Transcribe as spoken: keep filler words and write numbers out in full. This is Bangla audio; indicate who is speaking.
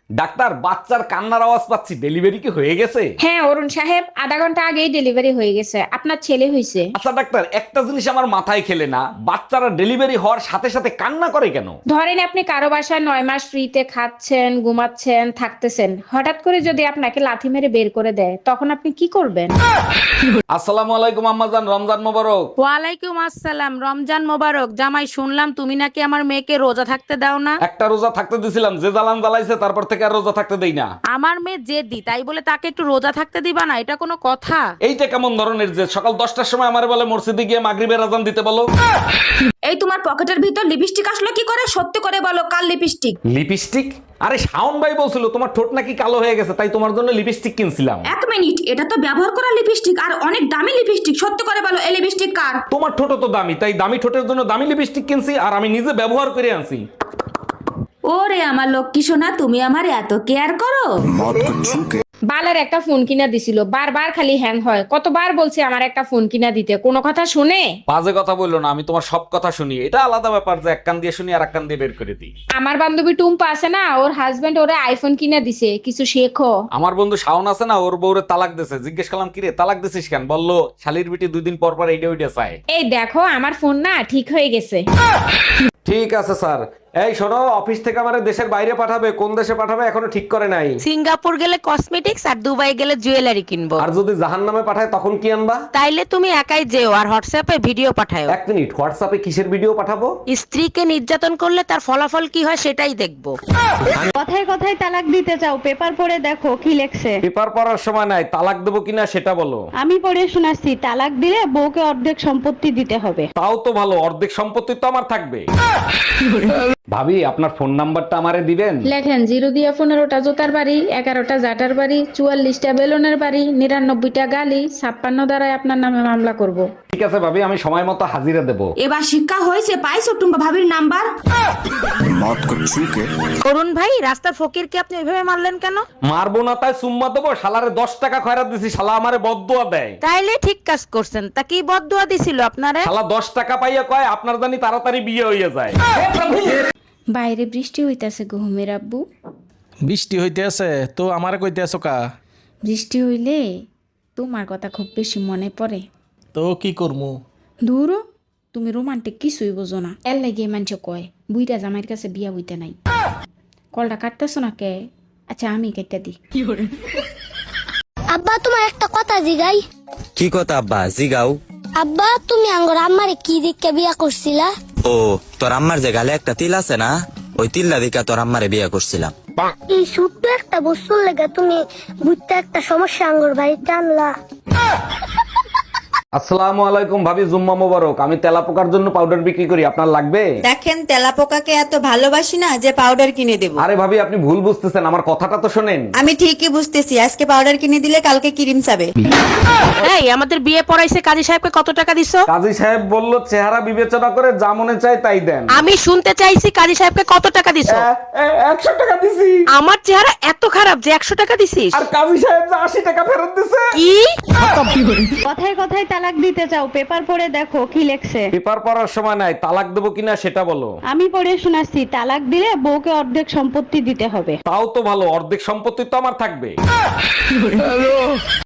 Speaker 1: ডাক্তার, বাচ্চার কান্নার আওয়াজ পাচ্ছি, ডেলিভারি কি হয়ে গেছে?
Speaker 2: হ্যাঁ অরুণ সাহেব, আধা ঘন্টা আগেই ডেলিভারি হয়ে গেছে, আপনার ছেলে হয়েছে।
Speaker 1: আচ্ছা ডাক্তার, একটা জিনিস আমার মাথায় খেলে না, বাচ্চারা ডেলিভারি হওয়ার সাথে সাথে কান্না করে কেন?
Speaker 2: ধরেন আপনি কারো বাসায় নয় মাস ফ্রিতে খাচ্ছেন, ঘুমাচ্ছেন, থাকতেছেন, হঠাৎ করে যদি আপনাকে লাথি মেরে বের করে দেয়, তখন আপনি কি করবেন?
Speaker 1: আসসালামু আলাইকুম আম্মাজান, রমজান মোবারক।
Speaker 3: ওয়ালাইকুম আসসালাম, রমজান মোবারক। জামাই, শুনলাম তুমি নাকি আমার মেয়েকে রোজা থাকতে দাও না।
Speaker 1: একটা রোজা থাকতে দিছিলাম, যে জ্বালান জ্বালাইছে তারপর থেকে আর রোজা থাকতে দেই না।
Speaker 3: আমার মেয়ে জেদি, তাই বলে তাকে একটু রোজা থাকতে দিবা না? এটা কোনো কথা?
Speaker 1: এইটা কেমন ধরনের যে সকাল দশটার সময় আমার বলে মসজিদে গিয়ে মাগরিবের আজান দিতে বলো?
Speaker 4: এই তোমার পকেটের ভিতর লিপস্টিক আসলো কি করে? সত্যি করে বলো, কাল লিপস্টিক?
Speaker 1: লিপস্টিক? আরে শাওন ভাই বলছিল তোমার ঠোঁট নাকি কালো হয়ে গেছে, তাই তোমার জন্য লিপস্টিক কিনছিলাম।
Speaker 4: এক মিনিট, এটা তো ব্যবহার করা লিপস্টিক আর অনেক দামি লিপস্টিক। সত্যি করে বলো, এই লিপস্টিক কার?
Speaker 1: তোমার ঠোঁট তো দামি, তাই দামি ঠোঁটের জন্য দামি লিপস্টিক কিনছি, আর আমি নিজে ব্যবহার করে আনছি।
Speaker 4: ওরে আমার লক্ষ্মী সোনা, তুমি আমার এত কেয়ার করো।
Speaker 2: বালের একটা ফোন কিনা দিছিল, বারবার খালি হ্যাং হয়। কতবার বলছি আমার একটা ফোন কিনা দিতে, কোনো কথা শুনে?
Speaker 1: বাজে কথা বললো না, আমি তোমার সব কথা শুনি। এটা আলাদা ব্যাপার যে এক কান দিয়ে শুনি আর এক কান দিয়ে বের করে দিই।
Speaker 2: আমার বান্ধবী টুম্পা আছে না, ওর হাজবেন্ড ওরে আইফোন কিনা দিছে, কিছু শেখো।
Speaker 1: আমার বন্ধু শাওন আছে না, ওর বউরে তালাক দিছে। জিজ্ঞেস করলাম কিরে তালাক দিছিস কেন, বললো শালির বিটি দুই দিন পর পর এইটা ওইটা চায়।
Speaker 2: এই দেখো আমার ফোন না ঠিক হয়ে গেছে।
Speaker 1: ঠিক আছে স্যার। এই শোনো, অফিস থেকে আমার দেশের বাইরে পাঠাবে, কোন দেশে পাঠাবে এখনো ঠিক করে নাই।
Speaker 3: সিঙ্গাপুর গেলে কসমেটিক্স আর দুবাই গেলে জুয়েলারি কিনবো।
Speaker 1: আর যদি জাহান্নামে পাঠায় তখন কি আনবা?
Speaker 3: তাইলে তুমি একাই যেও আর হোয়াটসঅ্যাপে ভিডিও পাঠাও।
Speaker 1: এক মিনিট, হোয়াটসঅ্যাপে কিসের ভিডিও পাঠাবো?
Speaker 3: স্ত্রীকে নির্যাতন করলে তার ফলাফল কি হয় সেটাই দেখবো।
Speaker 5: কথায় কথায় তালাক দিতে চাও, পেপার পড়ে দেখো কি লেখছে।
Speaker 1: পেপার পড়ার সময় নাই, তালাক দেবো কিনা সেটা বলো।
Speaker 5: আমি পড়ে শোনাচ্ছি, তালাক দিলে বউকে অর্ধেক সম্পত্তি দিতে হবে।
Speaker 1: তাও তো ভালো, অর্ধেক সম্পত্তি তো আমার থাকবে। ভাবি, আপনার ফোন নাম্বারটা আমারে দিবেন?
Speaker 2: লেখেন জিরো দিয়া পনেরোটা জোতার বাড়ি, এগারোটা জাটার বাড়ি, চুয়াল্লিশটা বেলুনের বাড়ি, নিরানব্বইটা গালি, ছাপ্পান্ন দ্বারাই আপনার নামে মামলা করব।
Speaker 1: ঠিক আছে ভাবি, আমি সময় মতো হাজিরা দেবো।
Speaker 4: এবার শিক্ষা হয়েছে, পাইছো টুম্পা ভাবির নাম্বার?
Speaker 3: অরুণ ভাই, রাস্তার ফকিরকে আপনি ওইভাবে মারলেন কেন?
Speaker 1: মারবো না তাই সুম্মা দেবো? শালারে দশ টাকা খয়রাত দিছি, শালা আমারে বদদুয়া দেয়।
Speaker 3: তাইলে ঠিক কাজ করছেন। তা কি বদদুয়া দিছিল আপনারে?
Speaker 1: শালা দশ টাকা পাইয়া কয় আপনার জানি তাড়াতাড়ি বিয়ে হইয়া যায়।
Speaker 2: বাইরে বৃষ্টি হইতাছে ঘুমের আব্বু।
Speaker 6: বৃষ্টি হইতে আছে তো আমার কইতে আছো কা?
Speaker 2: বৃষ্টি হইলে তোমার কথা খুব বেশি মনে পড়ে।
Speaker 6: তো কি করমু?
Speaker 2: দূরও তুমি রোমান্টিক কিছুই বোঝো না, এর লাগে মানুষ কয় বুইটা জামাইয়ের কাছে বিয়া হইতে নাই। কলটা কাটতেছো না কে? আচ্ছা আমি কেটে দিই।
Speaker 7: আব্বা তোমার একটা কথা জিগাই।
Speaker 8: কি কথা আব্বা? জিগাও।
Speaker 7: আব্বা তুমি আঙ্গর আম্মারে কি দিকে বিয়া করছিলা?
Speaker 8: ও, তোর আম্মার যে গালে একটা তিল আছে না, ওই তিল্লা দিকা তোর আম্মারে বিয়ে করছিলাম।
Speaker 7: এই ছোট্ট একটা বস্তুর লেগে তুমি বুঝতে একটা সমস্যা আঙ্গর বাড়িতে আনলা।
Speaker 1: আসসালামু আলাইকুম ভাবি, জুম্মা মোবারক। আমি তেলাপোকার জন্য পাউডার বিক্রি করি, আপনার লাগবে?
Speaker 9: দেখেন, তেলাপোকাকে এত ভালোবাসি না যে পাউডার কিনে দেব।
Speaker 1: আরে ভাবি, আপনি ভুল বুঝতেছেন, আমার কথাটা তো শোনেন।
Speaker 9: আমি ঠিকই বুঝতেছি, আজকে পাউডার কিনে দিলে কালকে ক্রিম চাবে।
Speaker 3: এই, আমাদের বিয়ে পড়াইছে কাজী সাহেবকে কত টাকা দিছো?
Speaker 1: কাজী সাহেব বলল চেহারা বিবেচনা করে যা মনে চায় তাই দেন।
Speaker 3: আমি শুনতে চাইছি কাজী সাহেবকে কত টাকা দিছো?
Speaker 1: একশো টাকা দিছি।
Speaker 3: আমার চেহারা এত খারাপ যে একশো টাকা দিছিস?
Speaker 1: আর কাজী সাহেব যে আশি টাকা ফেরত দিছে।
Speaker 3: কি?
Speaker 5: কথায় কথায় তালাক দিতে চাও, পেপার পড়ে দেখো কি লেখছে।
Speaker 1: পেপার পড়ার সময় নাই, তালাক দেবো কিনা সেটা বলো।
Speaker 5: আমি পড়ে শোনাচ্ছি, তালাক দিলে বউকে অর্ধেক সম্পত্তি দিতে হবে।
Speaker 1: তাও তো ভালো, অর্ধেক সম্পত্তি তো আমার থাকবে।